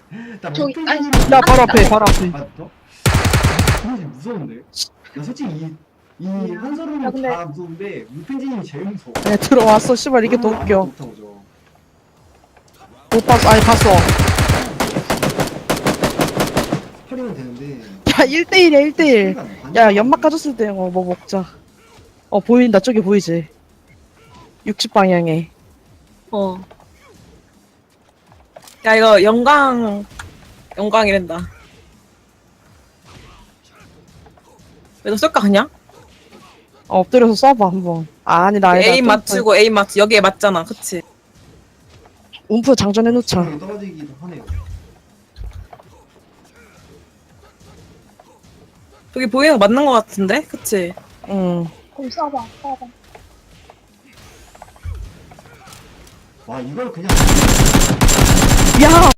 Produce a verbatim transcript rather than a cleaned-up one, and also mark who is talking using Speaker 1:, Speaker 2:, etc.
Speaker 1: 나
Speaker 2: 저기, 아니,
Speaker 1: 무표정이면
Speaker 3: 나 바로 앞에 바로 앞에.
Speaker 1: 아, 너? 사실 무서운데? 나 솔직히 이, 이
Speaker 2: 야,
Speaker 1: 한서로는
Speaker 2: 근데-
Speaker 1: 다 무서운데 무펜지님이 제일 무서워.
Speaker 3: 네 들어왔어. 씨발 이게 더
Speaker 1: 그러면
Speaker 3: 웃겨.
Speaker 1: 아무것도 못하고
Speaker 3: 못 봤어. 아니 봤어.
Speaker 1: 스파링은 되는데
Speaker 3: 야 일 대일이야 일 대일. 야 연막 까졌을 때 어 뭐 먹자. 어 보인다. 저기 보이지? 육십 방향에.
Speaker 4: 어. 야, 이거 영광, 영광이란다. 왜 너 쏠까, 그냥?
Speaker 3: 어, 엎드려서 쏴봐 한번. 아, 아니 나 아니다.
Speaker 4: 에임 맞추고, 에임 맞추, 여기에 맞잖아. 그치?
Speaker 3: 움프 장전해 놓자.
Speaker 1: 스파링이 떨어지기도 하네요.
Speaker 4: 저기 보이는 거 맞는 거 같은데? 그치?
Speaker 3: 응.
Speaker 2: 그럼 쏴봐, 쏴봐.
Speaker 1: 와 이걸 그냥
Speaker 3: 야